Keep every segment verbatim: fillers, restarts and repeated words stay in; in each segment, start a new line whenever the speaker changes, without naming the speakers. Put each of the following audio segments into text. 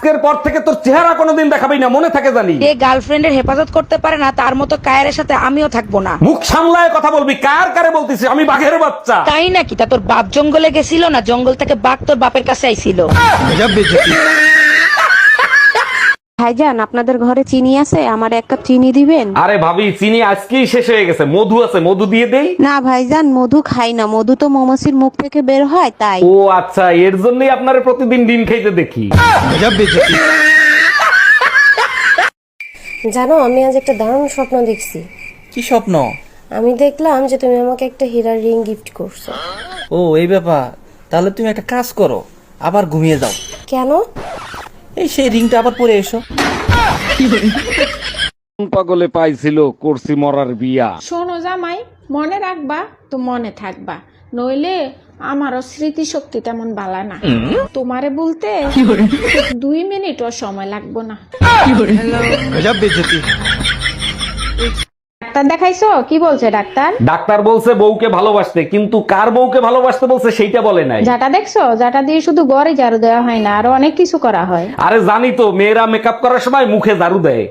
আজকের পর থেকে তোর চেহারা কোনোদিন দেখাবি না, মনে থাকে জানি।
যে গার্লফ্রেন্ডের হেফাজত করতে পারে না তার মতো কায়ের সাথে আমিও থাকবো না।
মুখ সামলায় কথা বলবি, কার কারে বলতিস? আমি বাঘের বাচ্চা।
তাই নাকি? তা তোর বাপ জঙ্গলে গেছিল না, জঙ্গল থেকে বাঘ তোর বাপের কাছে আইছিল।
ভাইজান আপনাদের ঘরে চিনি আছে? আমার এক কাপ চিনি দিবেন?
আরে ভাবি, চিনি আজকেই শেষ হয়ে গেছে, মধু আছে, মধু দিয়ে দেই।
না ভাইজান, মধু খাই না, মধু তো মৌমাছির মুখ থেকে বের হয় তাই।
ও আচ্ছা, এর জন্যই আপনারে প্রতিদিন ডিম খাইতে দেখি।
জানো, আমি আজ একটা দারুণ স্বপ্ন দেখছি।
কি স্বপ্ন?
আমি দেখলাম যে তুমি আমাকে একটা হীরার রিং গিফট করছো।
ও এই ব্যাপার, তাহলে তুমি একটা কাজ করো, আবার ঘুমিয়ে যাও।
কেন?
এই সেই রিংটা আবার পরে এসো।
পাগলে পাইছিল, করছি মরার বিয়া।
শোনো জামাই, মনে রাখবা তো মনে থাকবা, নইলে আমারও স্মৃতি শক্তি তেমন বালা না। তোমারে বলতে দুই মিনিটও সময় লাগবো না। ডাক্তার দেখাইছো? কি বলছে ডাক্তার?
ডাক্তার বলছে বউকে ভালোবাসতে, কিন্তু কার বউকে ভালোবাসতে বলছে সেইটা বলে নাই।
যাটা দেখছো, যাটা দিয়ে শুধু গড়ে ঝাড়ু দেওয়া হয় না, আরো অনেক কিছু করা হয়।
আরে জানি তো, মেয়েরা মেকআপ করার সময় মুখে ঝাড়ু দেয়।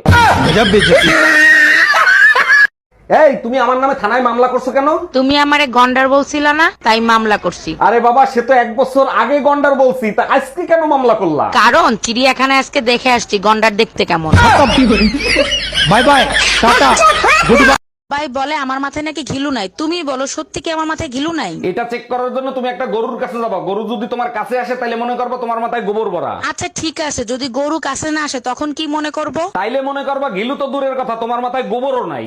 এই, তুমি আমার নামে থানায় মামলা করছো কেন?
তুমি আমারে গন্ডার বলছিল না, তাই মামলা করছি।
আরে বাবা, সে তো এক বছর আগে গন্ডার বলছি, তা আজকে কেন মামলা করলা?
কারণ চিড়িয়াখানায় আজকে দেখে আসছি গন্ডার দেখতে কেমন।
Bye bye, tata, good bye.
ভাই বলে আমার মাথায় নাকি ঘিলু নাই, তুমি বলো সত্যি কি আমার মাথায় ঘিলু নাই?
এটা চেক করার জন্য তুমি একটা গরুর কাছে যাবা। গরু যদি তোমার কাছে আসে তাইলে মনে করবা তোমার মাথায় গোবর ভরা।
আচ্ছা ঠিক আছে, যদি গরু কাছে না আসে তখন কি মনে করব?
তাইলে মনে করবা ঘিলু তো দূরের কথা, তোমার মাথায় গোবরও নাই।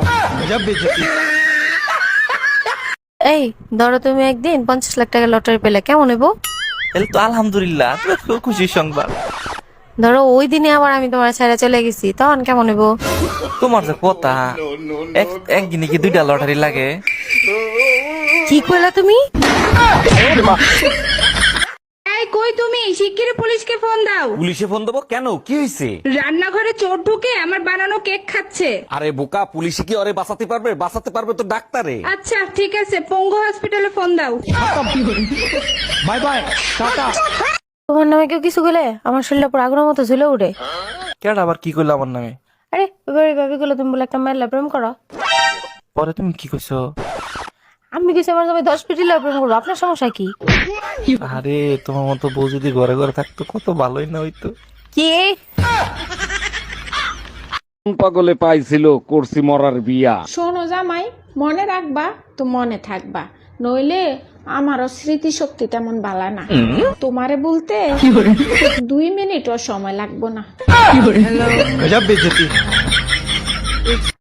এই ধরো, তুমি একদিন পঞ্চাশ লাখ টাকা লটারি পেলে, কেমন নেবো?
তাহলে তো আলহামদুলিল্লাহ, খুব খুশির সংবাদ।
ধরো ওই দিনে আবার আমি তোমার ছেড়ে চলে গেছি, তখন কেমন নেবো?
তোমার যে কথা, এক- একদিনে কি দুইটা লটারি লাগে?
কি করলা তুমি?
এই কই তুমি? শিগগিরই পুলিশকে ফোন দাও।
পুলিশে ফোন দেবো কেন? কি হয়েছে?
রান্নাঘরে চোর ঢুকে আমার বানানো কেক খাচ্ছে।
আরে বোকা, পুলিশে কি ওরে বাঁচাতে পারবে? বাঁচাতে পারবে তো ডাক্তারে।
আচ্ছা ঠিক আছে, পঙ্গু হসপিটালে ফোন দাও।
Bye bye, tata.
তোমার নামে কেউ কিছু গেলে আমার শরীরটা পুরো আগুনের মতো ঝুলে উঠে।
কেডা আবার কি করলো আমার নামে?
আরে এবারে ভাবি গুলো, তুমি বলে একটা মেয়ের প্রেম করো।
পরে তুমি কি কইছো?
আমি কিছু আমার নামে দশ পিটি প্রেম করবো, আপনার সমস্যা কি?
আরে তোমার মতো বউ যদি ঘরে ঘরে থাকতো কত ভালোই না হইতো।
কি?
পাগলে পাইছিল, করছি মরার বিয়া।
শোনো জামাই, মনে রাখবা তো মনে থাকবা, নইলে আমারও স্মৃতি শক্তি তেমন বালা না। তোমারে বলতে দুই মিনিটও সময় লাগবো না।